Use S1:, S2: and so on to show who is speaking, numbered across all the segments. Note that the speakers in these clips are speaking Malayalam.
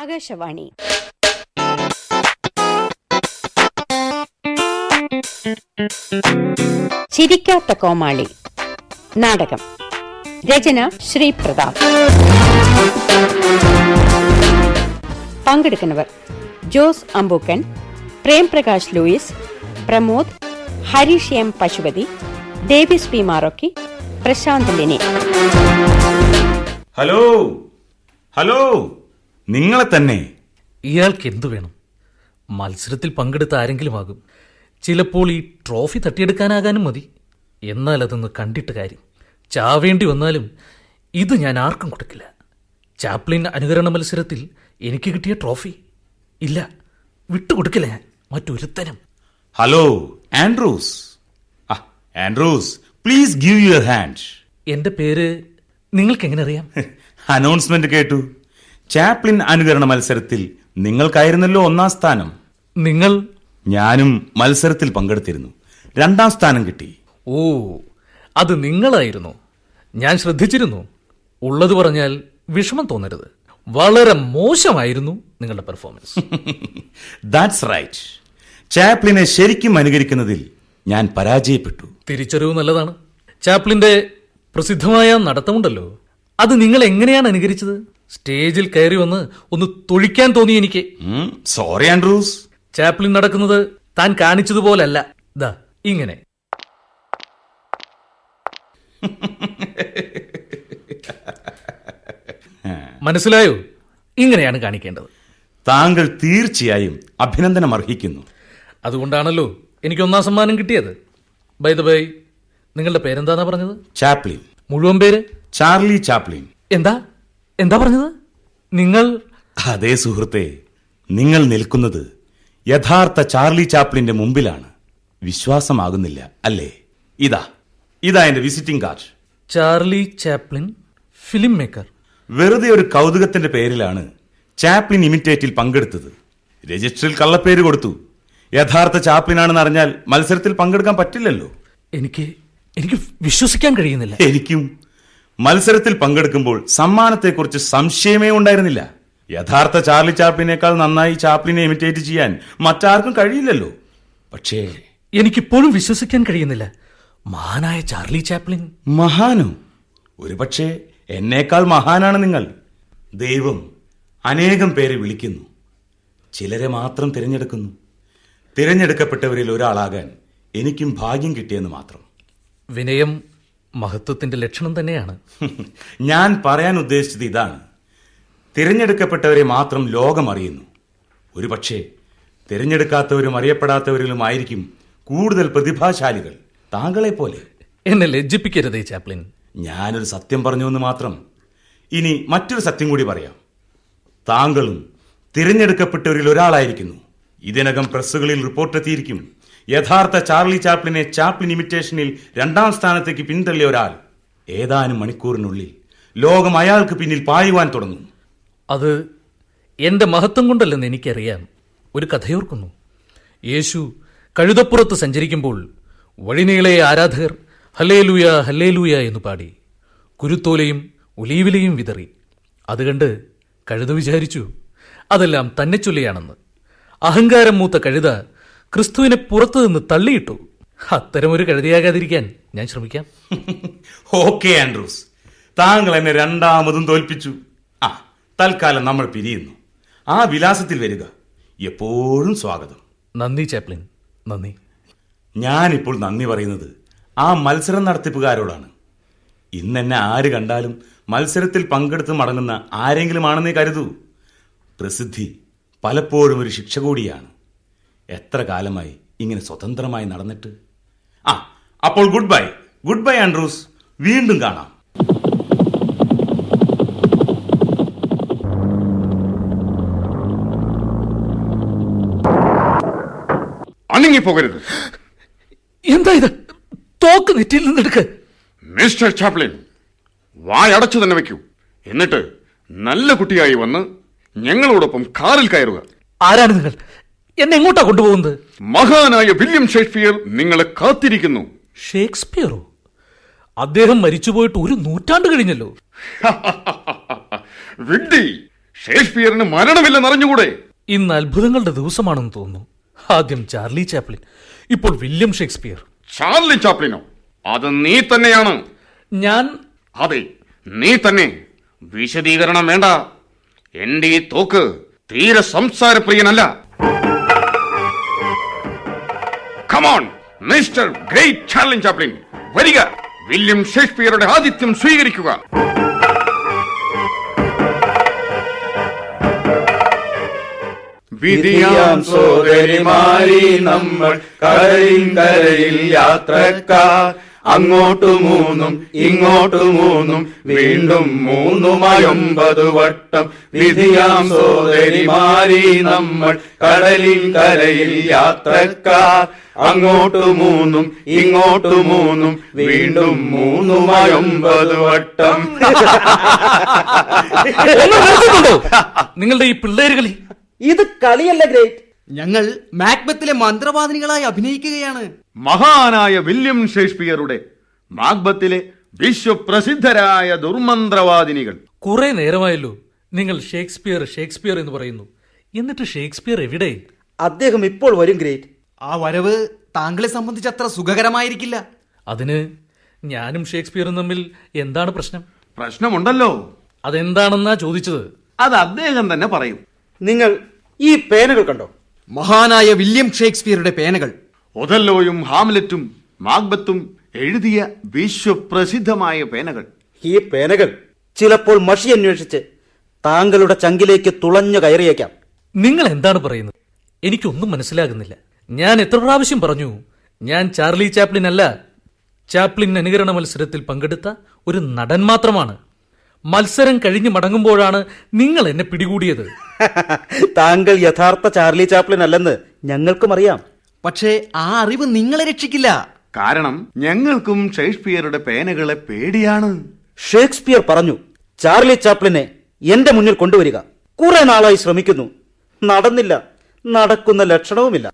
S1: ആകാശവാണി. ചിരിക്കാത്ത കോമാളി നാടകം. രചന ശ്രീ പ്രതാപ്. പങ്കെടുക്കുന്നവർ: Jose Ambookan, Premprakash Louis, Pramod, Harish M Pasupathi, Davis P Marokki, Prashanth Lini.
S2: Hello hello, നിങ്ങളെ തന്നെ.
S3: ഇയാൾക്ക് എന്തു വേണം? മത്സരത്തിൽ പങ്കെടുത്ത ആരെങ്കിലും ആകും. ചിലപ്പോൾ ഈ ട്രോഫി തട്ടിയെടുക്കാനാകാനും മതി. എന്നാൽ അതൊന്ന് കണ്ടിട്ട് കാര്യം. ചാവേണ്ടി വന്നാലും ഇത് ഞാൻ ആർക്കും കൊടുക്കില്ല. ചാപ്ലിൻ അനുകരണ മത്സരത്തിൽ എനിക്ക് കിട്ടിയ ട്രോഫി ഇല്ല, വിട്ടുകൊടുക്കില്ല ഞാൻ മറ്റൊരുത്തനും.
S2: Hello Andrews. Andrews, please give your hand.
S3: എന്റെ പേര് നിങ്ങൾക്ക് എങ്ങനെ അറിയാം?
S2: അനൗൺസ്മെന്റ് കേട്ടു. ചാപ്ലിൻ അനുകരണ മത്സരത്തിൽ നിങ്ങൾക്കായിരുന്നല്ലോ 1ാം സ്ഥാനം.
S3: നിങ്ങൾ?
S2: ഞാനും മത്സരത്തിൽ പങ്കെടുത്തിരുന്നു, 2ാം സ്ഥാനം കിട്ടി.
S3: ഓ, അത് നിങ്ങളായിരുന്നു. ഞാൻ ശ്രദ്ധിച്ചിരുന്നു. ഉള്ളത് പറഞ്ഞാൽ വിഷമം തോന്നരുത്. വളരെ മോശമായിരുന്നു നിങ്ങളുടെ പെർഫോമൻസ്.
S2: That's right. ചാപ്ലിനെ ശരിക്കും അനുകരിക്കുന്നതിൽ ഞാൻ പരാജയപ്പെട്ടു.
S3: തിരിച്ചറിവ് നല്ലതാണ്. ചാപ്ലിന്റെ പ്രസിദ്ധമായ നടത്തമുണ്ടല്ലോ, അത് നിങ്ങൾ എങ്ങനെയാണ് അനുകരിച്ചത്? സ്റ്റേജിൽ കയറി വന്ന് ഒന്ന് തൊഴിക്കാൻ തോന്നി എനിക്ക്.
S2: Sorry Andrews.
S3: ചാപ്ലിൻ നടക്കുന്നത് താൻ കാണിച്ചതുപോലല്ല. ദാ ഇങ്ങനെ. മനസ്സിലായോ? ഇങ്ങനെയാണ് കാണിക്കേണ്ടത്.
S2: താങ്കൾ തീർച്ചയായും അഭിനന്ദനം അർഹിക്കുന്നു.
S3: അതുകൊണ്ടാണല്ലോ എനിക്ക് 1ാം സമ്മാനം കിട്ടിയത്. ബൈ ദ ബൈ, നിങ്ങളുടെ പേരെന്താന്നാ പറഞ്ഞത്?
S2: ചാപ്ലിൻ.
S3: മുഴുവൻ പേര്?
S2: Charlie Chaplin.
S3: എന്താ പറഞ്ഞത് നിങ്ങൾ?
S2: അതേ സുഹൃത്തെ, നിങ്ങൾ നിൽക്കുന്നത് യഥാർത്ഥ ചാർലി ചാപ്ലിന്റെ മുമ്പിലാണ്. വിശ്വാസമാകുന്നില്ല അല്ലേ? ഇതാ എന്റെ visiting card.
S3: Charlie Chaplin, film maker.
S2: വെറുതെ ഒരു കൗതുകത്തിന്റെ പേരിലാണ് ചാപ്ലിൻ ഇമിറ്റേറ്റിൽ പങ്കെടുത്തത്. രജിസ്റ്ററിൽ കള്ളപ്പേര് കൊടുത്തു. യഥാർത്ഥ ചാപ്ലിനാണെന്ന് അറിഞ്ഞാൽ മത്സരത്തിൽ പങ്കെടുക്കാൻ പറ്റില്ലല്ലോ.
S3: എനിക്ക് വിശ്വസിക്കാൻ കഴിയുന്നില്ല.
S2: എനിക്കും. മത്സരത്തിൽ പങ്കെടുക്കുമ്പോൾ സമ്മാനത്തെക്കുറിച്ച് സംശയമേ ഉണ്ടായിരുന്നില്ല. യഥാർത്ഥ ചാർലി ചാപ്ലിനേക്കാൾ നന്നായി ചാപ്ലിനെ ഇമിറ്റേറ്റ് ചെയ്യാൻ മറ്റാർക്കും കഴിയില്ലല്ലോ. പക്ഷേ
S3: എനിക്കിപ്പോഴും വിശ്വസിക്കാൻ കഴിയുന്നില്ല. മഹാനായ ചാർലി ചാപ്ലിൻ.
S2: മഹാനോ? ഒരുപക്ഷെ എന്നേക്കാൾ മഹാനാണ് നിങ്ങൾ. ദൈവം അനേകം പേരെ വിളിക്കുന്നു, ചിലരെ മാത്രം തിരഞ്ഞെടുക്കുന്നു. തിരഞ്ഞെടുക്കപ്പെട്ടവരിൽ ഒരാളാകാൻ എനിക്കും ഭാഗ്യം കിട്ടിയെന്ന് മാത്രം.
S3: വിനയം മഹത്വത്തിന്റെ ലക്ഷണം തന്നെയാണ്.
S2: ഞാൻ പറയാൻ ഉദ്ദേശിച്ചത് ഇതാണ്. തിരഞ്ഞെടുക്കപ്പെട്ടവരെ മാത്രം ലോകം അറിയുന്നു. ഒരുപക്ഷെ തിരഞ്ഞെടുക്കാത്തവരും അറിയപ്പെടാത്തവരിലുമായിരിക്കും കൂടുതൽ പ്രതിഭാശാലികൾ, താങ്കളെ പോലെ.
S3: എന്നെ ലജ്ജിപ്പിക്കരുതേ ചാപ്ലിൻ.
S2: ഞാനൊരു സത്യം പറഞ്ഞു എന്ന് മാത്രം. ഇനി മറ്റൊരു സത്യം കൂടി പറയാം. താങ്കളും തിരഞ്ഞെടുക്കപ്പെട്ടവരിൽ ഒരാളായിരിക്കുന്നു. ഇതിനകം പ്രസ്സുകളിൽ റിപ്പോർട്ട് എത്തിയിരിക്കും. യഥാർത്ഥ ചാർലി ചാപ്ലിനെ ചാപ്ലിൻ ഇമിറ്റേഷനിൽ 2ാം സ്ഥാനത്തേക്ക് പിന്തള്ളിയ ഒരാൾ ഏതാനും മണിക്കൂറിനുള്ളിൽ ലോകം അയാൾക്ക് പിന്നിൽ പായുവാൻ തുടങ്ങും.
S3: അത് എന്റെ മഹത്വം കൊണ്ടല്ലെന്ന് എനിക്കറിയാം. ഒരു കഥയോർക്കുന്നു. യേശു കഴുതപ്പുറത്ത് സഞ്ചരിക്കുമ്പോൾ വഴിനീളെ ആരാധകർ ഹല്ലേലൂയ ഹല്ലേലൂയ എന്ന് പാടി കുരുത്തോലയും ഒലീവിലയും വിതറി. അത് കണ്ട് കഴുത വിചാരിച്ചു അതെല്ലാം തന്നെ ചൊല്ലിയാണെന്ന്. അഹങ്കാരം മൂത്ത കഴുത ക്രിസ്തുവിനെ പുറത്തു നിന്ന് തള്ളിയിട്ടു. അത്തരമൊരു കഴുതയാകാതിരിക്കാൻ ഞാൻ ശ്രമിക്കാം.
S2: ഓക്കെ ആൻഡ്രൂസ്, താങ്കൾ എന്നെ 2ാമതും തോൽപ്പിച്ചു. തൽക്കാലം നമ്മൾ പിരിയുന്നു. ആ വിലാസത്തിൽ വരിക. എപ്പോഴും സ്വാഗതം.
S3: നന്ദി ചാപ്ലിൻ, നന്ദി.
S2: ഞാനിപ്പോൾ നന്ദി പറയുന്നത് ആ മത്സരം നടത്തിപ്പുകാരോടാണ്. ഇന്നെന്നെ ആര് കണ്ടാലും മത്സരത്തിൽ പങ്കെടുത്ത് മടങ്ങുന്ന ആരെങ്കിലും ആണെന്നേ കരുതൂ. പ്രസിദ്ധി പലപ്പോഴും ഒരു ശിക്ഷ കൂടിയാണ്. എത്ര കാലമായി ഇങ്ങനെ സ്വതന്ത്രമായി നടന്നിട്ട്. അപ്പോൾ ഗുഡ് ബൈ ആൻഡ്രൂസ്. വീണ്ടും കാണാം.
S4: അനങ്ങിപ്പോകരുത്.
S3: എന്താ ഇത്? തോക്ക് നെറ്റിയിൽ നിന്നെടുക്ക്.
S4: മിസ്റ്റർ ചാപ്ലിൻ, വായടച്ചു തന്നെ വെക്കൂ. എന്നിട്ട് നല്ല കുട്ടിയായി വന്ന് ഞങ്ങളോടൊപ്പം കാറിൽ കയറുക.
S3: ആരാണ് നിങ്ങൾ? എന്നെ എങ്ങോട്ടാ കൊണ്ടുപോകുന്നത്?
S4: മഹാനായ വില്യം ഷേക്സ്പിയർ നിങ്ങളെ കാത്തിരിക്കുന്നു.
S3: ഷേക്സ്പിയറോ? അദ്ദേഹം മരിച്ചുപോയിട്ട് 1 നൂറ്റാണ്ട് കഴിഞ്ഞല്ലോ.
S4: വിഡ്ഢി, ഷേക്സ്പിയറിന് മരണമില്ലെന്നറിഞ്ഞുകൂടെ?
S3: ഇന്ന് അത്ഭുതങ്ങളുടെ ദിവസമാണെന്ന് തോന്നുന്നു. ആദ്യം ചാർലി ചാപ്ലിൻ, ഇപ്പോൾ വില്യം ഷേക്സ്പിയർ.
S4: ചാർലി ചാപ്ലിനോ? അത് നീ തന്നെയാണ്.
S3: ഞാൻ
S4: അതെ, നീ തന്നെ. വിശദീകരണം വേണ്ട. എന്റെ ഈ തോക്ക് തീരെ സംസാരപ്രിയനല്ല. Come on mister great Charlie Chaplin, വരിക. വില്യം ഷേക്സ്പിയറുടെ ആതിഥ്യം സ്വീകരിക്കുക.
S5: വിധിയാം സോദരിമാരി നമ്മൾ കരയിൽ യാത്രക്കാർ, അങ്ങോട്ടു മൂന്നും ഇങ്ങോട്ടു മൂന്നും വീണ്ടും 3 വട്ടം. വിധിയാം സോദരിമാരി നമ്മൾ കരയിൽ യാത്രക്കാർ, അങ്ങോട്ടു മൂന്നും ഇങ്ങോട്ടു മൂന്നും വീണ്ടും 3 വട്ടം.
S3: നിങ്ങളുടെ ഈ പിള്ളേരുകളി
S6: ഇത് കളിയല്ല ഗ്രേറ്റ്.
S7: ഞങ്ങൾ മാക്ബത്തിലെ മന്ത്രവാദിനികളായി അഭിനയിക്കുകയാണ്.
S4: മഹാനായ വില്യം ഷേക്സ്പിയറുടെ മാക്ബത്തിലെ വിശ്വപ്രസിദ്ധരായ ദുർമന്ത്രവാദിനികൾ.
S3: കുറെ നേരമായല്ലോ നിങ്ങൾ ഷേക്സ്പിയർ ഷേക്സ്പിയർ എന്ന് പറയുന്നു. എന്നിട്ട് ഷേക്സ്പിയർ എവിടെ?
S6: അദ്ദേഹം ഇപ്പോൾ വരും ഗ്രേറ്റ്.
S7: ആ വരവ് താങ്കളെ സംബന്ധിച്ച് അത്ര സുഖകരമായിരിക്കില്ല.
S3: അതിന് ഞാനും ഷേക്സ്പിയറും തമ്മിൽ എന്താണ് പ്രശ്നം?
S4: പ്രശ്നമുണ്ടല്ലോ.
S3: അതെന്താണെന്നാ ചോദിച്ചത്.
S4: അത് അദ്ദേഹം തന്നെ പറയും.
S6: നിങ്ങൾ ഈ പേനകൾ കണ്ടോ?
S7: മഹാനായ വില്യം ഷേക്സ്പിയറുടെ പേനകൾ.
S4: ഒഥല്ലോയും ഹാംലെറ്റും മാക്ബത്തും എഴുതിയ വിശ്വപ്രസിദ്ധമായ പേനകൾ.
S6: ഈ പേനകൾ ചിലപ്പോൾ മഷി അന്വേഷിച്ച് താങ്കളുടെ ചങ്കിലേക്ക് തുളഞ്ഞു കയറിയേക്കാം.
S3: നിങ്ങൾ എന്താണ് പറയുന്നത്? എനിക്കൊന്നും മനസ്സിലാകുന്നില്ല. ഞാൻ എത്ര പ്രാവശ്യം പറഞ്ഞു, ഞാൻ ചാർലി ചാപ്ലിൻ അല്ല. ചാപ്ലിൻ അനുകരണ മത്സരത്തിൽ പങ്കെടുത്ത ഒരു നടൻ മാത്രമാണ്. മത്സരം കഴിഞ്ഞ് മടങ്ങുമ്പോഴാണ് നിങ്ങൾ എന്നെ പിടികൂടിയത്.
S6: താങ്കൾ യഥാർത്ഥ ചാർലി ചാപ്ലിൻ അല്ലെന്ന് ഞങ്ങൾക്കും അറിയാം.
S7: പക്ഷേ ആ അറിവ് നിങ്ങളെ രക്ഷിക്കില്ല.
S4: കാരണം ഞങ്ങൾക്കും ഷേക്സ്പിയറുടെ പേനകളെ പേടിയാണ്.
S6: ഷേക്സ്പിയർ പറഞ്ഞു, ചാർലി ചാപ്ലിനെ എന്റെ മുന്നിൽ കൊണ്ടുവരിക. കുറെ നാളായി ശ്രമിക്കുന്നു, നടന്നില്ല, നടക്കുന്ന ലക്ഷണവുമില്ല.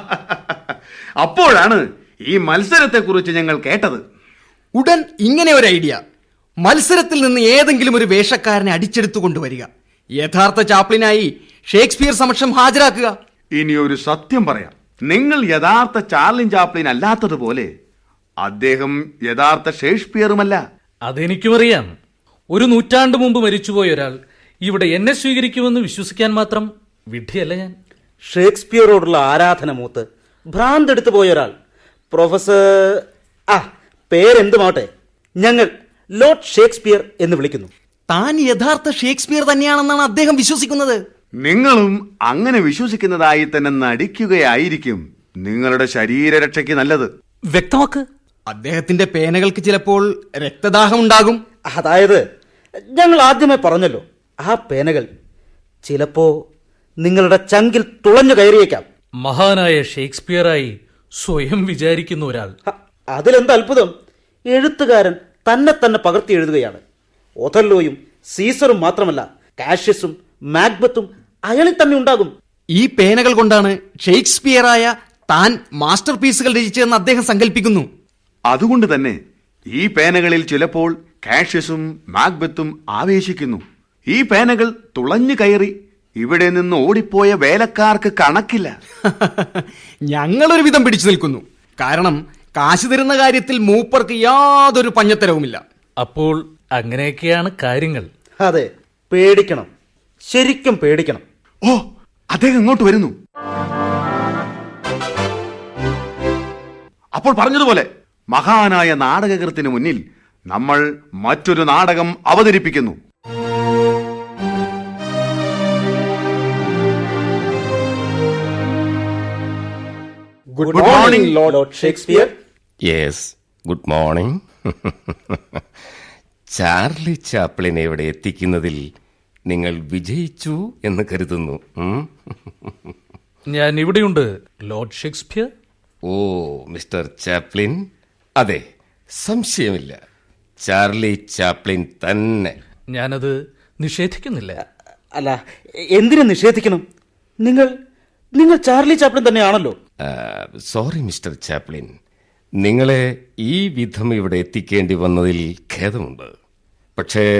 S4: അപ്പോഴാണ് ഈ മത്സരത്തെക്കുറിച്ച് ഞങ്ങൾ കേട്ടത്.
S7: ഉടൻ ഇങ്ങനെ ഒരു ഐഡിയ. മത്സരത്തിൽ നിന്ന് ഏതെങ്കിലും ഒരു വേഷക്കാരനെ അടിച്ചെടുത്തു കൊണ്ടുവരിക. യഥാർത്ഥ ചാപ്ലിനായി ഷേക്സ്പിയർ സമക്ഷം ഹാജരാക്കുക.
S4: ഇനി ഒരു സത്യം പറയാം. നിങ്ങൾ യഥാർത്ഥ ചാർലി ചാപ്ലിൻ അല്ലാത്തതുപോലെ അദ്ദേഹം യഥാർത്ഥ ഷേക്സ്പിയറുമല്ല.
S3: അതെനിക്കും അറിയാം. 1 നൂറ്റാണ്ട് മുമ്പ് മരിച്ചുപോയ ഒരാൾ ഇവിടെ എന്നെ സ്വീകരിക്കുമെന്ന് വിശ്വസിക്കാൻ മാത്രം വിഡ്ഢിയല്ല ഞാൻ.
S6: ഷേക്സ്പിയറോടുള്ള ആരാധന മൂത്ത് ഭ്രാന്തെടുത്തു പോയ ഒരാൾ, പ്രൊഫസർ പേരെന്തുമാവട്ടെ, ഞങ്ങൾ ലോർഡ് ഷേക്സ്പിയർ എന്ന് വിളിക്കുന്നു.
S7: താൻ യഥാർത്ഥ ഷേക്സ്പിയർ തന്നെയാണെന്നാണ് അദ്ദേഹം വിശ്വസിക്കുന്നത്.
S4: നിങ്ങളും അങ്ങനെ വിശ്വസിക്കുന്നതായി തന്നെ നടിക്കുകയായിരിക്കും നിങ്ങളുടെ ശരീരരക്ഷയ്ക്ക് നല്ലത്.
S3: വ്യക്തമാക്ക്.
S7: അദ്ദേഹത്തിന്റെ പേനകൾക്ക് ചിലപ്പോൾ രക്തദാഹം ഉണ്ടാകും.
S6: അതായത് ഞങ്ങൾ ആദ്യമേ പറഞ്ഞല്ലോ, ആ പേനകൾ ചിലപ്പോ നിങ്ങളുടെ ചങ്കിൽ തുളഞ്ഞു കയറിയേക്കാം.
S3: മഹാനായ ഷേക്സ്പിയറായി സ്വയം വിചാരിക്കുന്ന ഒരാൾ.
S6: അതിലെന്ത് അത്ഭുതം? എഴുത്തുകാരൻ തന്നെ തന്നെ പകർത്തി എഴുതുകയാണ്. ഒഥല്ലോയും സീസറും മാത്രമല്ല, കാഷ്യസും മാക്ബത്തും അയാളിൽ തന്നെ ഉണ്ടാകും.
S7: ഈ പേനകൾ കൊണ്ടാണ് ഷേക്സ്പിയറായ താൻ മാസ്റ്റർ പീസുകൾ രചിച്ചതെന്ന് അദ്ദേഹം സങ്കല്പിക്കുന്നു.
S4: അതുകൊണ്ട് തന്നെ ഈ പേനകളിൽ ചിലപ്പോൾ കാഷ്യസും മാക്ബത്തും ആവേശിക്കുന്നു. ഈ പേനകൾ തുളഞ്ഞു കയറി ഇവിടെ നിന്ന് ഓടിപ്പോയ വേലക്കാർക്ക് കണക്കില്ല.
S7: ഞങ്ങളൊരു വിധം പിടിച്ചു നിൽക്കുന്നു. കാരണം കാശ് തരുന്ന കാര്യത്തിൽ മൂപ്പർക്ക് യാതൊരു പഞ്ഞത്തരവുമില്ല.
S3: അപ്പോൾ അങ്ങനെയൊക്കെയാണ് കാര്യങ്ങൾ.
S6: അതെ, പേടിക്കണം, ശരിക്കും പേടിക്കണം.
S4: ഓ, അദ്ദേഹം ഇങ്ങോട്ട് വരുന്നു. അപ്പോൾ പറഞ്ഞതുപോലെ മഹാനായ നാടകകൃത്തിന് മുന്നിൽ നമ്മൾ മറ്റൊരു നാടകം അവതരിപ്പിക്കുന്നു.
S6: Good morning lord Shakespeare.
S8: Yes, good morning. Charlie ചാപ്ലിനെ ഇവിടെ എത്തിക്കുന്നതിൽ നിങ്ങൾ വിജയിച്ചു എന്ന് കരുതുന്നു.
S3: ഞാൻ ഇവിടെയുണ്ട് ലോർഡ് ഷേക്സ്പിയർ.
S8: ഓ മിസ്റ്റർ ചാപ്ലിൻ, അതെ, സംശയമില്ല, ചാർലി ചാപ്ലിൻ തന്നെ.
S3: ഞാനത് നിഷേധിക്കുന്നില്ല.
S6: അല്ല, എന്തിനു നിഷേധിക്കണം? നിങ്ങൾ ചാർലി ചാപ്ലിൻ തന്നെയാണല്ലോ.
S8: സോറി മിസ്റ്റർ ചാപ്ലിൻ, നിങ്ങളെ ഈ വിധം ഇവിടെ എത്തിക്കേണ്ടി വന്നതിൽ ഖേദമുണ്ട്. പക്ഷേ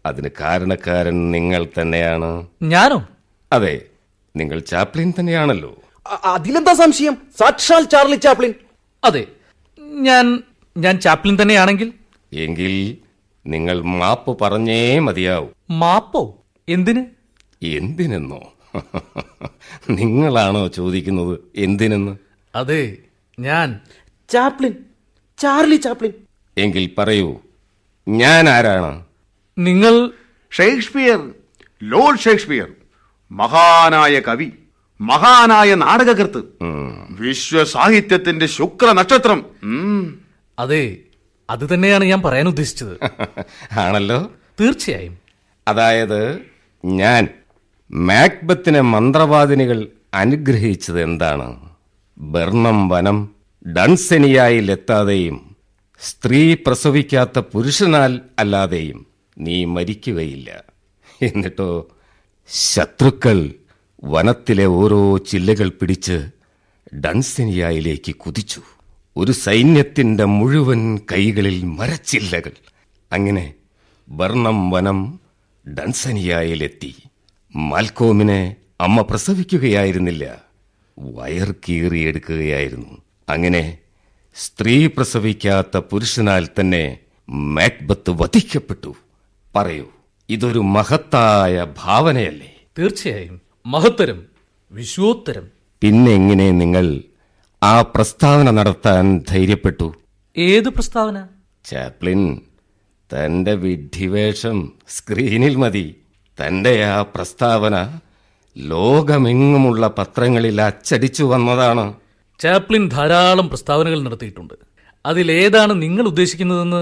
S8: അതിന് കാരണക്കാരൻ നിങ്ങൾ തന്നെയാണ്.
S3: ഞാനോ?
S8: അതെ, നിങ്ങൾ ചാപ്ലിൻ തന്നെയാണല്ലോ.
S7: അതിലെന്താ സംശയം? സാക്ഷാൽ ചാർലി ചാപ്ലിൻ.
S3: അതെ, ഞാൻ ചാപ്ലിൻ തന്നെയാണെങ്കിൽ
S8: എങ്കിൽ നിങ്ങൾ മാപ്പ് പറഞ്ഞേ മതിയാവൂ.
S3: മാപ്പോ? എന്തിന്?
S8: എന്തിനെന്നോ? നിങ്ങളാണോ ചോദിക്കുന്നത് എന്തിനെന്ന്?
S3: അതെ, ഞാൻ
S6: ചാപ്ലിൻ, ചാർലി ചാപ്ലിൻ.
S8: എങ്കിൽ പറയൂ, ഞാൻ ആരാണ്?
S3: നിങ്ങൾ
S4: ഷേക്സ്പിയർ, ലോർഡ് ഷേക്സ്പിയർ, മഹാനായ കവി, മഹാനായ നാടകകൃത്ത്, വിശ്വസാഹിത്യത്തിന്റെ ശുക്ര നക്ഷത്രം.
S3: അതെ, അത് തന്നെയാണ് ഞാൻ പറയാൻ ഉദ്ദേശിച്ചത്.
S8: ആണല്ലോ.
S3: തീർച്ചയായും.
S8: അതായത് ഞാൻ മാക്ബത്തിനെ മന്ത്രവാദിനികൾ അനുഗ്രഹിച്ചത് എന്താണ്? ബർണം വനം ഡൺസെനിയായിൽ എത്താതെയും സ്ത്രീ പ്രസവിക്കാത്ത പുരുഷനാൽ അല്ലാതെയും നീ മരിക്കുകയില്ല. എന്നിട്ടോ ശത്രുക്കൾ വനത്തിലെ ഓരോ ചില്ലകൾ പിടിച്ച് ഡൺസെനിയായിലേക്ക് കുതിച്ചു. ഒരു സൈന്യത്തിന്റെ മുഴുവൻ കൈകളിൽ മരച്ചില്ലകൾ. അങ്ങനെ ബർണം വനം ഡൺസനിയായിലെത്തി. മാൽക്കോമിനെ അമ്മ പ്രസവിക്കുകയായിരുന്നില്ല, വയർ കീറിയെടുക്കുകയായിരുന്നു. അങ്ങനെ സ്ത്രീ പ്രസവിക്കാത്ത പുരുഷനാൽ തന്നെ മാക്ബത്ത് വധിക്കപ്പെട്ടു. പറയൂ, ഇതൊരു മഹത്തായ ഭാവനയല്ലേ?
S3: തീർച്ചയായും മഹത്തരം, വിശ്വോത്തരം.
S8: പിന്നെ എങ്ങനെ നിങ്ങൾ ആ പ്രസ്താവന നടത്താൻ ധൈര്യപ്പെട്ടു?
S3: ഏത് പ്രസ്താവന?
S8: ചാപ്ലിൻ, തന്റെ വിഡ്ഢിവേഷം സ്ക്രീനിൽ മതി. തന്റെ ആ പ്രസ്താവന ലോകമെങ്ങുമുള്ള പത്രങ്ങളിൽ അച്ചടിച്ചു വന്നതാണ്.
S3: ചാപ്ലിൻ ധാരാളം പ്രസ്താവനകൾ നടത്തിയിട്ടുണ്ട്. അതിലേതാണ് നിങ്ങൾ ഉദ്ദേശിക്കുന്നതെന്ന്?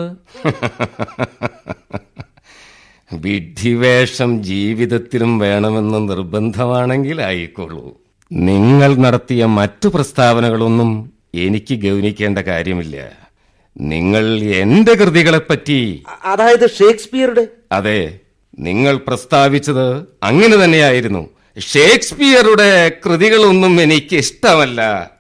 S8: വിഡ്ഢിവേഷം ജീവിതത്തിലും വേണമെന്ന് നിർബന്ധമാണെങ്കിൽ ആയിക്കൊള്ളൂ. നിങ്ങൾ നടത്തിയ മറ്റു പ്രസ്താവനകളൊന്നും എനിക്ക് ഗൗനിക്കേണ്ട കാര്യമില്ല. നിങ്ങൾ എന്റെ കൃതികളെപ്പറ്റി,
S6: അതായത് ഷേക്സ്പിയറുടെ.
S8: അതെ, നിങ്ങൾ പ്രസ്താവിച്ചത് അങ്ങനെ തന്നെയായിരുന്നു. ഷേക്സ്പിയറുടെ കൃതികളൊന്നും എനിക്ക് ഇഷ്ടമല്ല.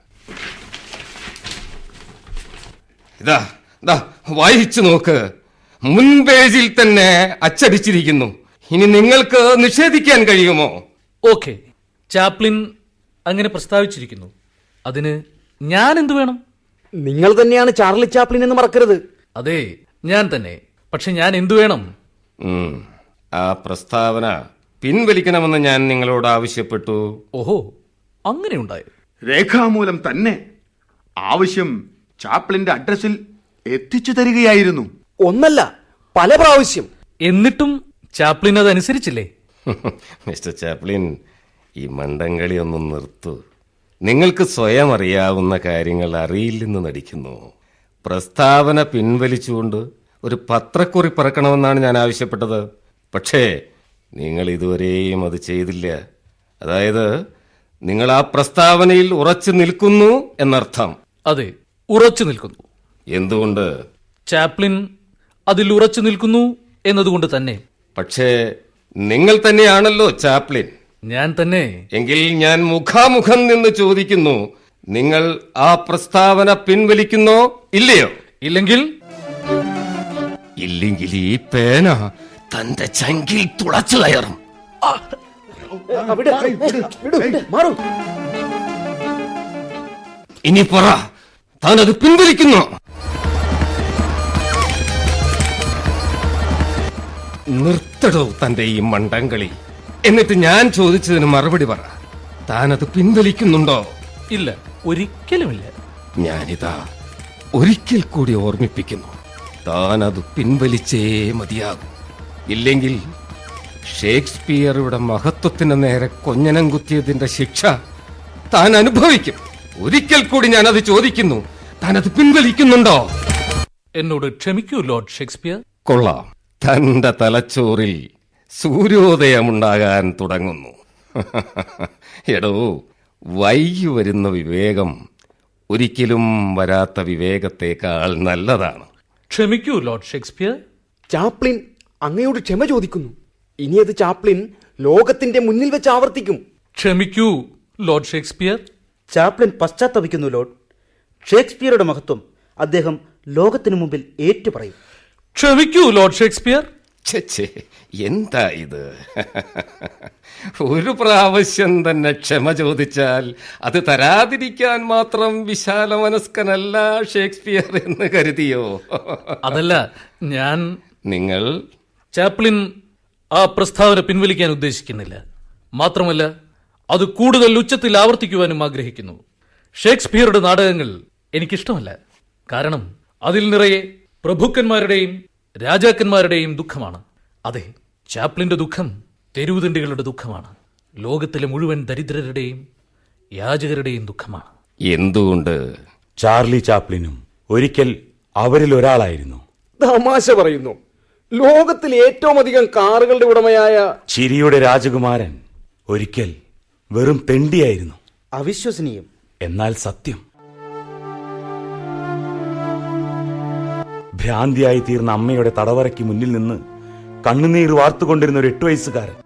S8: ഇതാ വായിച്ചു നോക്ക്, മുൻ പേജിൽ തന്നെ അച്ചടിച്ചിരിക്കുന്നു. ഇനി നിങ്ങൾക്ക് നിഷേധിക്കാൻ കഴിയുമോ?
S3: ഓക്കെ, ചാപ്ലിൻ അങ്ങനെ പ്രസ്താവിച്ചിരിക്കുന്നു. അതിന് ഞാൻ എന്തു വേണം?
S7: നിങ്ങൾ തന്നെയാണ് ചാർലി ചാപ്ലിൻ എന്ന് മറക്കരുത്.
S3: അതെ, ഞാൻ തന്നെ. പക്ഷെ ഞാൻ എന്തു വേണം?
S8: ആ പ്രസ്താവന പിൻവലിക്കണമെന്ന് ഞാൻ നിങ്ങളോട് ആവശ്യപ്പെട്ടു.
S3: ഓഹോ, അങ്ങനെ ഉണ്ടായി.
S4: രേഖാമൂലം തന്നെ ആവശ്യം ചാപ്ലിന്റെ അഡ്രസ്സിൽ എത്തിച്ചു തരികയായിരുന്നു.
S7: ഒന്നല്ല, പല പ്രാവശ്യം.
S3: എന്നിട്ടും ചാപ്ലിൻ അത് അനുസരിച്ചില്ലേ?
S8: മിസ്റ്റർ ചാപ്ലിൻ, ഈ മണ്ടംകളി ഒന്ന് നിർത്തൂ. നിങ്ങൾക്ക് സ്വയം അറിയാവുന്ന കാര്യങ്ങൾ അറിയില്ലെന്ന് നടിക്കുന്നു. പ്രസ്താവന പിൻവലിച്ചുകൊണ്ട് ഒരു പത്രക്കുറിപ്പ് ഇറക്കണമെന്നാണ് ഞാൻ ആവശ്യപ്പെട്ടത്. പക്ഷേ നിങ്ങൾ ഇതുവരെയും അത് ചെയ്തില്ല. അതായത് നിങ്ങൾ ആ പ്രസ്താവനയിൽ ഉറച്ചു നിൽക്കുന്നു എന്നർത്ഥം.
S3: അതെ, ഉറച്ചു നിൽക്കുന്നു.
S8: എന്തുകൊണ്ട്?
S3: ചാപ്ലിൻ അതിൽ ഉറച്ചു നിൽക്കുന്നു എന്നതുകൊണ്ട് തന്നെ.
S8: പക്ഷേ നിങ്ങൾ തന്നെയാണല്ലോ ചാപ്ലിൻ.
S3: ഞാൻ തന്നെ.
S8: എങ്കിൽ ഞാൻ മുഖാമുഖം നിന്ന് ചോദിക്കുന്നു, നിങ്ങൾ ആ പ്രസ്താവന പിൻവലിക്കുന്നോ ഇല്ലയോ?
S3: ഇല്ലെങ്കിൽ
S8: ഈ പേന തന്റെ ചങ്കിൽ തുളച്ചു കയറും. ഇനി പറ, താൻ അത് പിൻവലിക്കുന്നോ? നിർത്തടോ തന്റെ ഈ മണ്ടംകളി. എന്നിട്ട് ഞാൻ ചോദിച്ചതിന് മറുപടി പറ, താനത് പിൻവലിക്കുന്നുണ്ടോ?
S3: ഇല്ല, ഒരിക്കലുമില്ല.
S8: ഞാനിതാ ഒരിക്കൽ കൂടി ഓർമ്മിപ്പിക്കുന്നു, താനത് പിൻവലിച്ചേ മതിയാകും. ഇല്ലെങ്കിൽ ഷേക്സ്പിയറുടെ മഹത്വത്തിന് നേരെ കൊഞ്ഞനം കുത്തിയതിന്റെ ശിക്ഷ താൻ അനുഭവിക്കും. ഒരിക്കൽ കൂടി ഞാനത് ചോദിക്കുന്നു, താനത് പിൻവലിക്കുന്നുണ്ടോ?
S3: എന്നോട് ക്ഷമിക്കൂ ലോർഡ് ഷേക്സ്പിയർ.
S8: കൊള്ളാം, തന്റെ തലച്ചോറിൽ സൂര്യോദയമുണ്ടാകാൻ തുടങ്ങുന്നു. എടോ, വൈകി വരുന്ന വിവേകം ഒരിക്കലും വരാത്ത വിവേകത്തേക്കാൾ നല്ലതാണ്.
S3: ക്ഷമിക്കൂ ലോർഡ് ഷേക്സ്പിയർ.
S7: ചാപ്ലിൻ അങ്ങയോട് ക്ഷമ ചോദിക്കുന്നു. ഇനി അത് ചാപ്ലിൻ ലോകത്തിന്റെ മുന്നിൽ വെച്ച് ആവർത്തിക്കും.
S3: ക്ഷമിക്കൂ ലോർഡ് ഷേക്സ്പിയർ.
S6: ചാപ്ലിൻ പശ്ചാത്തപിക്കുന്നു ലോർഡ്. ഷേക്സ്പിയറുടെ മഹത്വം അദ്ദേഹം ലോകത്തിനു മുമ്പിൽ ഏറ്റുപറയും.
S3: ക്ഷമിക്കൂ ലോർഡ് ഷേക്സ്പിയർ.
S8: ഛേ, എന്താ ഇത്? ഒരു പ്രാവശ്യം തന്നെ ക്ഷമ ചോദിച്ചാൽ അത് തരാതിരിക്കാൻ മാത്രം വിശാല മനസ്കനല്ല ഷേക്സ്പിയർ എന്ന് കരുതിയോ?
S3: അതല്ല,
S8: നിങ്ങൾ
S3: ചാപ്ലിൻ ആ പ്രസ്താവന പിൻവലിക്കാൻ ഉദ്ദേശിക്കുന്നില്ല. മാത്രമല്ല, അത് കൂടുതൽ ഉച്ചത്തിൽ ആവർത്തിക്കുവാനും ആഗ്രഹിക്കുന്നു. ഷേക്സ്പിയറുടെ നാടകങ്ങൾ എനിക്കിഷ്ടമല്ല. കാരണം അതിൽ നിറയെ പ്രഭുക്കന്മാരുടെയും രാജാക്കന്മാരുടെയും ദുഃഖമാണ്. അതെ, ചാപ്ലിന്റെ ദുഃഖം തെരുവുതണ്ടികളുടെ ദുഃഖമാണ്. ലോകത്തിലെ മുഴുവൻ ദരിദ്രരുടെയും യാചകരുടെയും ദുഃഖമാണ്.
S8: എന്തുകൊണ്ട്?
S2: ചാർലി ചാപ്ലിനും ഒരിക്കൽ അവരിൽ ഒരാളായിരുന്നു.
S7: തമാശ പറയുന്നു. ലോകത്തിൽ ഏറ്റവും അധികം കാറുകളുടെ ഉടമയായ
S2: ചിരിയുടെ രാജകുമാരൻ ഒരിക്കൽ വെറും തെണ്ടിയായിരുന്നു.
S6: അവിശ്വസനീയം.
S2: എന്നാൽ സത്യം. ഭ്രാന്തിയായി തീർന്ന അമ്മയുടെ തടവറയ്ക്ക് മുന്നിൽ നിന്ന് കണ്ണുനീർ വാർത്തുകൊണ്ടിരുന്ന ഒരു 8 വയസ്സുകാരൻ.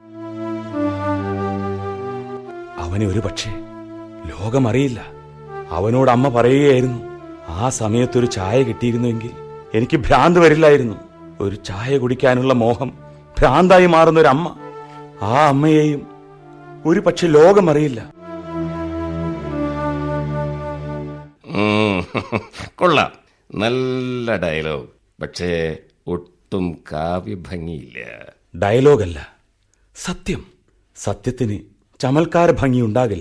S2: അവനെ ഒരു പക്ഷേ ലോകമറിയില്ല. അവനോട് അമ്മ പറയുകയായിരുന്നു, ആ സമയത്തൊരു ചായ കിട്ടിയിരുന്നുവെങ്കിൽ എനിക്ക് ഭ്രാന്ത് വരില്ലായിരുന്നു. ഒരു ചായ കുടിക്കാനുള്ള മോഹം ഭ്രാന്തായി മാറുന്ന ഒരു അമ്മ. ആ അമ്മയെയും ഒരു പക്ഷെ ലോകമറിയില്ല.
S8: കൊള്ളാം, നല്ല ഡയലോഗ്. പക്ഷേ ഒട്ടും കാവ്യഭംഗിയില്ല.
S2: ഡയലോഗല്ല, സത്യം. സത്യത്തിന് ചമൽക്കാര ഭംഗിയുണ്ടാകില്ല.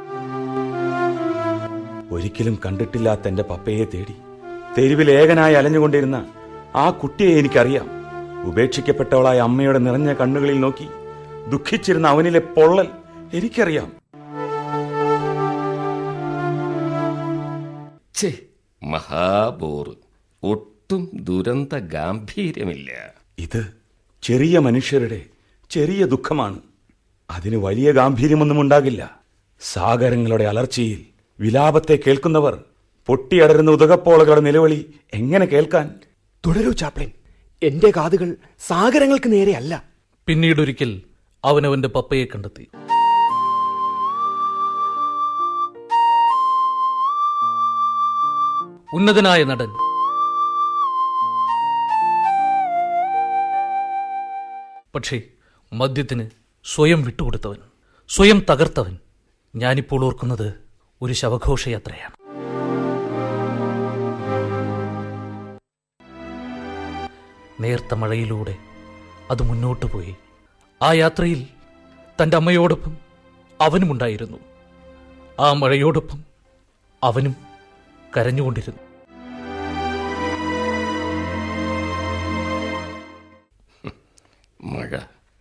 S2: ഒരിക്കലും കണ്ടിട്ടില്ലാത്ത എന്റെ പപ്പയെ തേടി തെരുവിൽ ഏകനായി അലഞ്ഞുകൊണ്ടിരുന്ന ആ കുട്ടിയെ എനിക്കറിയാം. ഉപേക്ഷിക്കപ്പെട്ടവളായ അമ്മയുടെ നിറഞ്ഞ കണ്ണുകളിൽ നോക്കി ദുഃഖിച്ചിരുന്ന അവനിലെ പൊള്ളൽ എനിക്കറിയാം.
S8: മഹാബോറ്. ഒട്ടും ദുരന്ത ഗാംഭീര്യമില്ല.
S2: ഇത് ചെറിയ മനുഷ്യരുടെ ചെറിയ ദുഃഖമാണ്. അതിന് വലിയ ഗാംഭീര്യമൊന്നും ഉണ്ടാകില്ല. സാഗരങ്ങളുടെ അലർച്ചയിൽ വിലാപത്തെ കേൾക്കുന്നവർ പൊട്ടിയടരുന്ന ഉദകപ്പോളകളുടെ നിലവിളി എങ്ങനെ കേൾക്കാൻ?
S7: തുടരൂ ചാപ്ലിൻ. എന്റെ കാതുകൾ സാഗരങ്ങൾക്ക് നേരെയല്ല.
S3: പിന്നീടൊരിക്കൽ അവനവന്റെ പപ്പയെ കണ്ടെത്തി. ഉന്നതനായ നടൻ, പക്ഷേ മദ്യത്തിന് സ്വയം വിട്ടുകൊടുത്തവൻ, സ്വയം തകർത്തവൻ. ഞാനിപ്പോൾ ഓർക്കുന്നത് ഒരു ശവഘോഷയാത്രയാണ്. നേർത്ത മഴയിലൂടെ അത് മുന്നോട്ടു പോയി. ആ യാത്രയിൽ തൻ്റെ അമ്മയോടൊപ്പം അവനുമുണ്ടായിരുന്നു. ആ മഴയോടൊപ്പം അവനും കരഞ്ഞുകൊണ്ടിരുന്നു.
S8: മഴ,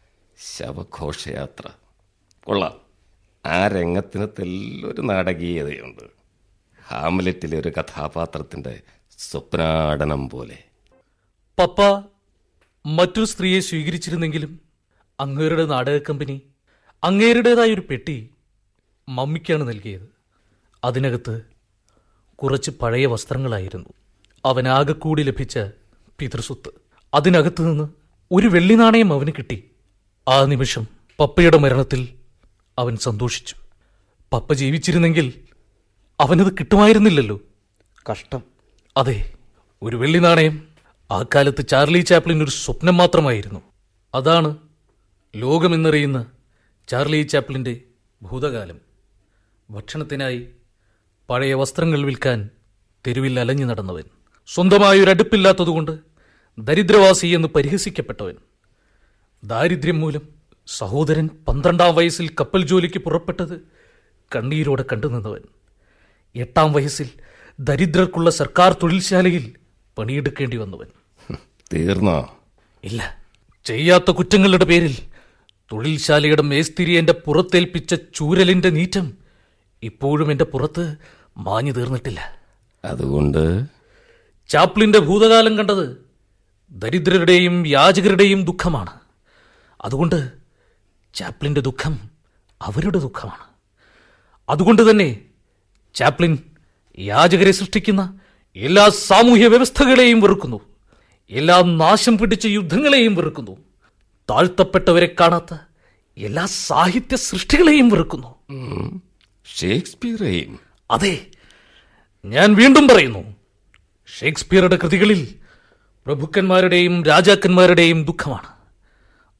S8: ശവഘോഷയാത്ര. കൊള്ളാം. ആ രംഗത്തിന് തെല്ലൊരു നാടകീയതയുണ്ട്. ഹാംലെറ്റിലെ ഒരു കഥാപാത്രത്തിന്റെ സ്വപ്നാടനം പോലെ.
S3: പപ്പ മറ്റൊരു സ്ത്രീയെ സ്വീകരിച്ചിരുന്നെങ്കിലും അങ്ങേരുടെ നാടക കമ്പനി അങ്ങേരുടേതായൊരു പെട്ടി മമ്മിക്കാണ് നൽകിയത്. അതിനകത്ത് കുറച്ച് പഴയ വസ്ത്രങ്ങളായിരുന്നു അവനാകെ കൂടി ലഭിച്ച പിതൃസ്വത്ത്. അതിനകത്ത് നിന്ന് ഒരു വെള്ളി നാണയം അവന് കിട്ടി. ആ നിമിഷം പപ്പയുടെ മരണത്തിൽ അവൻ സന്തോഷിച്ചു. പപ്പ ജീവിച്ചിരുന്നെങ്കിൽ അവനത് കിട്ടുമായിരുന്നില്ലല്ലോ.
S6: കഷ്ടം.
S3: അതെ, ഒരു വെള്ളി നാണയം ആ കാലത്ത് ചാർലി ചാപ്ലിൻ ഒരു സ്വപ്നം മാത്രമായിരുന്നു. അതാണ് ലോകമെന്നറിയുന്ന ചാർലി ചാപ്ലിൻ്റെ ഭൂതകാലം. ഭക്ഷണത്തിനായി പഴയ വസ്ത്രങ്ങൾ വിൽക്കാൻ തെരുവിൽ അലഞ്ഞു നടന്നവൻ, സ്വന്തമായൊരടുപ്പില്ലാത്തതുകൊണ്ട് ദരിദ്രവാസി എന്ന് പരിഹസിക്കപ്പെട്ടവൻ, ദാരിദ്ര്യം മൂലം സഹോദരൻ 12-ാം വയസ്സിൽ കപ്പൽ ജോലിക്ക് പുറപ്പെട്ടത് കണ്ണീരോടെ കണ്ടുനിന്നവൻ, 8-ാം വയസ്സിൽ ദരിദ്രർക്കുള്ള സർക്കാർ തൊഴിൽശാലയിൽ പണിയെടുക്കേണ്ടി വന്നവൻ.
S8: തീർന്നോ?
S3: ഇല്ല. ചെയ്യാത്ത കുറ്റങ്ങളുടെ പേരിൽ തൊഴിൽശാലയുടെ മേസ്തിരി എന്റെ പുറത്തേൽപ്പിച്ച ചൂരലിന്റെ നീറ്റം ഇപ്പോഴും എന്റെ പുറത്ത് മാഞ്ഞു തീർന്നിട്ടില്ല.
S8: അതുകൊണ്ട്
S3: ചാപ്ലിന്റെ ഭൂതകാലം കണ്ടത് ദരിദ്രരുടെയും യാചകരുടെയും ദുഃഖമാണ്. അതുകൊണ്ട് ചാപ്ലിന്റെ ദുഃഖം അവരുടെ ദുഃഖമാണ്. അതുകൊണ്ട് തന്നെ ചാപ്ലിൻ യാചകരെ സൃഷ്ടിക്കുന്ന എല്ലാ സാമൂഹ്യ വ്യവസ്ഥകളെയും വെറുക്കുന്നു, എല്ലാ നാശം പിടിച്ച യുദ്ധങ്ങളെയും വെറുക്കുന്നു, താഴ്ത്തപ്പെട്ടവരെ കാണാത്ത എല്ലാ സാഹിത്യ സൃഷ്ടികളെയും വെറുക്കുന്നു.
S8: ഷേക്സ്പിയറേയും?
S3: അതെ, ഞാൻ വീണ്ടും പറയുന്നു, ഷേക്സ്പിയറുടെ കൃതികളിൽ പ്രഭുക്കന്മാരുടെയും രാജാക്കന്മാരുടെയും ദുഃഖമാണ്.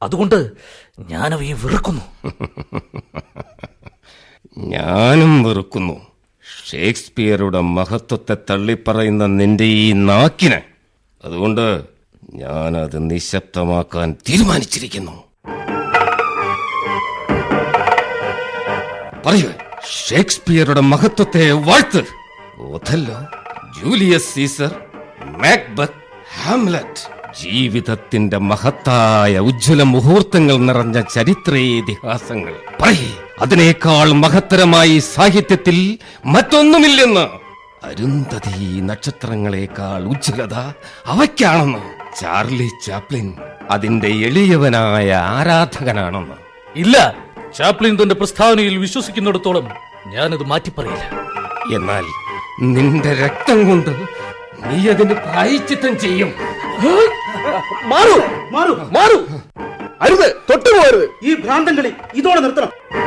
S3: അതുകൊണ്ട് ഞാനവയെ വെറുക്കുന്നു.
S8: ഞാനും വെറുക്കുന്നു ഷേക്സ്പിയറുടെ മഹത്വത്തെ തള്ളിപ്പറയുന്ന നിന്റെ ഈ നാക്കിന്. അതുകൊണ്ട് ഞാനത് നിശബ്ദമാക്കാൻ തീരുമാനിച്ചിരിക്കുന്നു. പറയൂ, ഷേക്സ്പിയറുടെ മഹത്വത്തെ വാഴ്ത്ത്. Othello, Julius Caesar, Macbeth, Hamlet, ജീവിതത്തിന്റെ മഹത്തായ ഉജ്ജ്വല മുഹൂർത്തങ്ങൾ നിറഞ്ഞ ചരിത്രേതിഹാസങ്ങൾ. പറയേ, അതിനേക്കാൾ മഹത്തരമായി സാഹിത്യത്തിൽ മറ്റൊന്നുമില്ലെന്ന്. അരുന്ധതി നക്ഷത്രങ്ങളെക്കാൾ ഉജ്ജ്വലത അവയ്ക്കാണെന്ന്. ചാർലി ചാപ്ലിൻ അതിന്റെ എളിയവനായ ആരാധകനാണെന്ന്.
S3: ഇല്ല, ചാപ്ലിൻ തന്റെ പ്രസ്താവനയിൽ വിശ്വസിക്കുന്നിടത്തോളം ഞാനത് മാറ്റിപ്പറയില്ല.
S8: എന്നാൽ നിന്റെ രക്തം കൊണ്ട് നീ അതിന് പ്രായശ്ചിത്തം ചെയ്യും.
S6: മാറൂ, മാറൂ, മാറൂ! അരുത്, തൊട്ടുപോകരുത്! ഈ ഭ്രാന്തം കളി ഇതോടെ നിർത്തണം.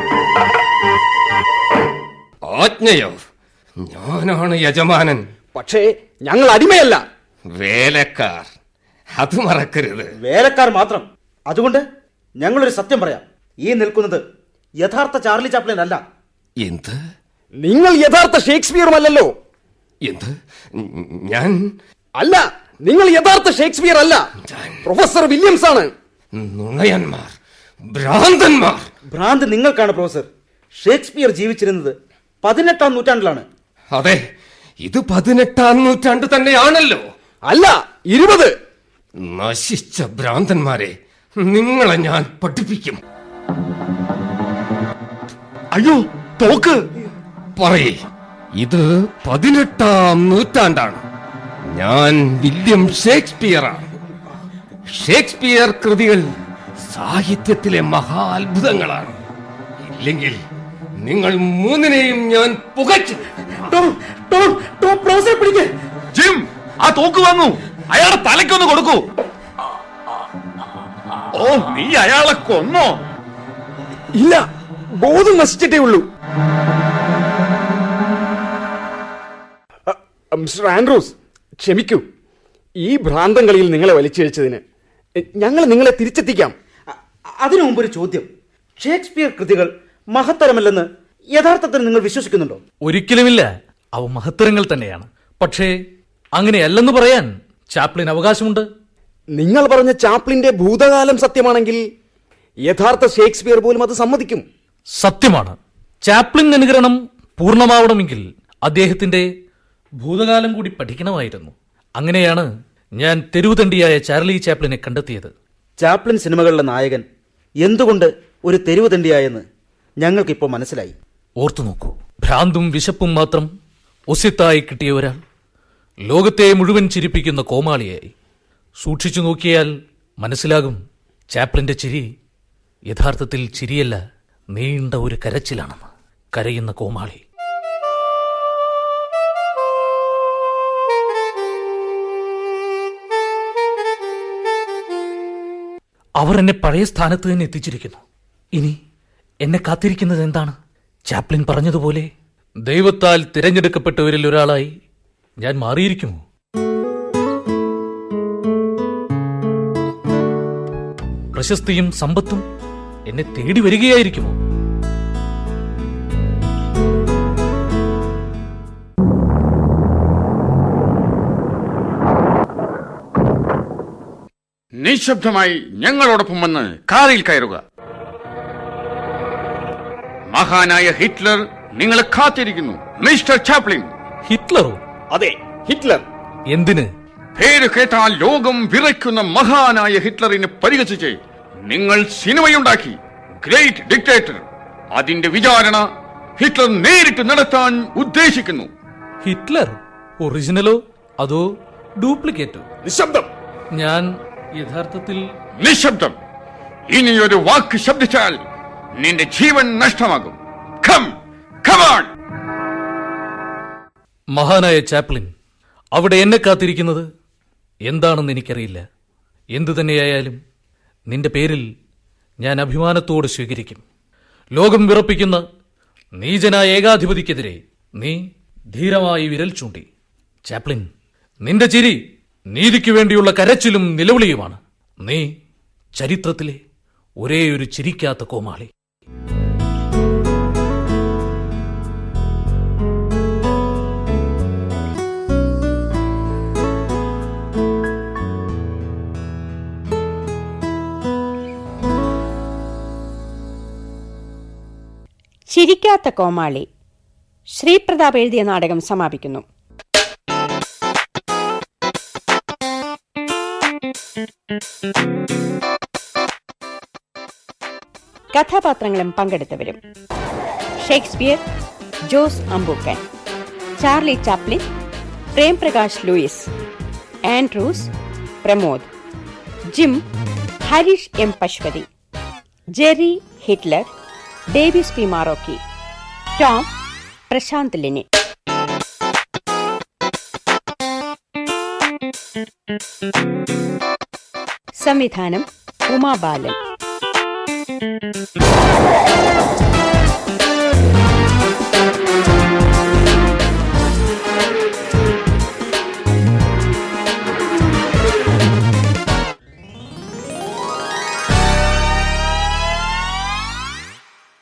S8: ആജ്ഞയോ? ഞാനാണ് യജമാനൻ.
S7: പക്ഷേ ഞങ്ങൾ അടിമയല്ല,
S8: വേലക്കാർ. അത് മറക്കരുത്.
S6: വേലക്കാർ മാത്രം. അതുകൊണ്ട് ഞങ്ങളൊരു സത്യം പറയാം. ഈ നിൽക്കുന്നത് യഥാർത്ഥ ചാർലി ചാപ്ലിൻ അല്ല.
S8: എന്ത്?
S7: നിങ്ങൾ യഥാർത്ഥ ഷേക്സ്പിയറുമല്ലല്ലോ.
S8: എന്ത്? ഞാൻ
S7: അല്ല, നിങ്ങൾ യഥാർത്ഥ ഷേക്സ്പിയർ അല്ല, പ്രൊഫസർ വില്യംസ് ആണ്.
S8: നുണയന്മാർ, ഭ്രാന്തന്മാർ.
S6: ഭ്രാന്ത് നിങ്ങൾക്കാണ് പ്രൊഫസർ. ഷേക്സ്പിയർ ജീവിച്ചിരുന്നത് 18-ാം നൂറ്റാണ്ടിലാണ്.
S8: അതെ, ഇത് 18-ാം നൂറ്റാണ്ട് തന്നെയാണല്ലോ.
S7: അല്ല, 20.
S8: നശിച്ച ഭ്രാന്തന്മാരെ, നിങ്ങളെ ഞാൻ പഠിപ്പിക്കും.
S4: അയ്യോ, തോക്ക്!
S8: പറയേ, ഇത് 18-ാം നൂറ്റാണ്ടാണ്. ഞാൻ വില്യം ഷേക്സ്പിയറാണ്. ഷേക്സ്പിയർ കൃതികൾ സാഹിത്യത്തിലെ മഹാത്ഭുതങ്ങളാണ്. ഇല്ലെങ്കിൽ നിങ്ങൾ മൂന്നിനെയും ഞാൻ പുകച്ചു.
S4: ജിം, ആ തോക്ക് വാങ്ങൂ. അയാളുടെ തലയ്ക്കൊന്ന് കൊടുക്കൂ. ഓ, നീ അയാളെ കൊന്നോ?
S7: ഇല്ല, ബോധം നശിച്ചിട്ടേ ഉള്ളൂ. മിസ്റ്റർ ആൻഡ്രൂസ്, ക്ഷമിക്കൂ. ഈ ഭ്രാന്തം കളിയിൽ നിങ്ങളെ വലിച്ചിഴച്ചതിന് ഞങ്ങൾ നിങ്ങളെ തിരിച്ചെത്തിക്കാം.
S6: അതിനു മുമ്പൊരു ചോദ്യം. ഷേക്സ്പിയർ കൃതികൾ മഹത്തരമല്ലെന്ന് യഥാർത്ഥത്തിൽ നിങ്ങൾ വിശ്വസിക്കുന്നുണ്ടോ?
S3: ഒരിക്കലുമില്ല, അവ മഹത്തരങ്ങൾ തന്നെയാണ്. പക്ഷേ അങ്ങനെയല്ലെന്ന് പറയാൻ ചാപ്ലിൻ അവകാശമുണ്ട്.
S7: നിങ്ങൾ പറഞ്ഞ ചാപ്ലിന്റെ ഭൂതകാലം സത്യമാണെങ്കിൽ യഥാർത്ഥ ഷേക്സ്പിയർ പോലും അത് സമ്മതിക്കും.
S3: സത്യമാണ്. ചാപ്ലിൻ അനുകരണം പൂർണ്ണമാവണമെങ്കിൽ അദ്ദേഹത്തിന്റെ ഭൂതകാലം കൂടി പഠിക്കണമായിരുന്നു. അങ്ങനെയാണ് ഞാൻ തെരുവുതണ്ടിയായ ചാർലി ചാപ്ലിനെ കണ്ടെത്തിയത്.
S6: ചാപ്ലിൻ സിനിമകളിലെ നായകൻ എന്തുകൊണ്ട് ഒരു തെരുവുതണ്ടിയായെന്ന് ഞങ്ങൾക്കിപ്പോൾ മനസ്സിലായി.
S3: ഓർത്തു നോക്കൂ, ഭ്രാന്തും വിശപ്പും മാത്രം ഒസ്യത്തായി കിട്ടിയ ഒരാൾ ലോകത്തെ മുഴുവൻ ചിരിപ്പിക്കുന്ന കോമാളിയായി. സൂക്ഷിച്ചു നോക്കിയാൽ മനസ്സിലാകും, ചാപ്ലിന്റെ ചിരി യഥാർത്ഥത്തിൽ ചിരിയല്ല, നീണ്ട ഒരു കരച്ചിലാണെന്ന്. കരയുന്ന കോമാളി. അവർ എന്നെ പഴയ സ്ഥാനത്ത് തന്നെ എത്തിച്ചിരിക്കുന്നു. ഇനി എന്നെ കാത്തിരിക്കുന്നത് എന്താണ്? ചാപ്ലിൻ പറഞ്ഞതുപോലെ ദൈവത്താൽ തിരഞ്ഞെടുക്കപ്പെട്ടവരിൽ ഒരാളായി ഞാൻ മാറിയിരിക്കുമോ? പ്രശസ്തിയും സമ്പത്തും എന്നെ തേടി വരികയായിരിക്കുമോ?
S4: നിശബ്ദമായി ഞങ്ങളോടൊപ്പം വന്ന് കാറിൽ കയറുക. മഹാനായ ഹിറ്റ്ലർ നിങ്ങളെ കാത്തിരിക്കുന്നു, മിസ്റ്റർ ചാപ്ലിൻ.
S3: ഹിറ്റ്ലറോ?
S7: അതെ, ഹിറ്റ്ലർ.
S3: എന്തിന്?
S4: പേര് കേട്ടാൽ ലോകം വിറയ്ക്കുന്ന മഹാനായ ഹിറ്റ്ലറിനെ പരിഹസിച്ച് നിങ്ങൾ സിനിമയുണ്ടാക്കി, ഗ്രേറ്റ് ഡിക്റ്റേറ്റർ. അതിന്റെ വിചാരണ ഹിറ്റ്ലർ നേരിട്ട് നടത്താൻ ഉദ്ദേശിക്കുന്നു.
S3: ഹിറ്റ്ലർ ഒറിജിനലോ അതോ ഡ്യൂപ്ലിക്കേറ്റോ?
S7: നിശബ്ദം.
S3: ഞാൻ യഥാർത്ഥത്തിൽ
S4: നിശബ്ദം. ഇനിയൊരു വാക്ക് ശബ്ദിച്ചാൽ നിന്റെ ജീവൻ നഷ്ടമാകും.
S3: മഹാനായ ചാപ്ലിൻ, അവിടെ എന്നെ കാത്തിരിക്കുന്നത് എന്താണെന്ന് എനിക്കറിയില്ല. എന്തു തന്നെയായാലും നിന്റെ പേരിൽ ഞാൻ അഭിമാനത്തോടെ സ്വീകരിക്കും. ലോകം വിറപ്പിക്കുന്ന നീചനായ ഏകാധിപതിക്കെതിരെ നീ ധീരമായി വിരൽ ചൂണ്ടി. ചാപ്ലിൻ, നിന്റെ ചിരി നീതിക്ക് വേണ്ടിയുള്ള കരച്ചിലും നിലവിളിയുമാണ്. നീ ചരിത്രത്തിലെ ഒരേയൊരു ചിരിക്കാത്ത കോമാളി.
S1: ചിരിക്കാത്ത കോമാളി ശ്രീപ്രതാപ് എഴുതിയ നാടകം സമാപിക്കുന്നു. കഥാപാത്രങ്ങളും പങ്കെടുത്തവരും: Shakespeare Jose Ambookan, Charlie Chaplin Premprakash Louis, Andrews Pramod, Jim Harish M Pasupathi, Jerry Hitler Davis P Marokki, Tom Prashanth Lini. സംവിധാനം ഉമാ ബാലൻ.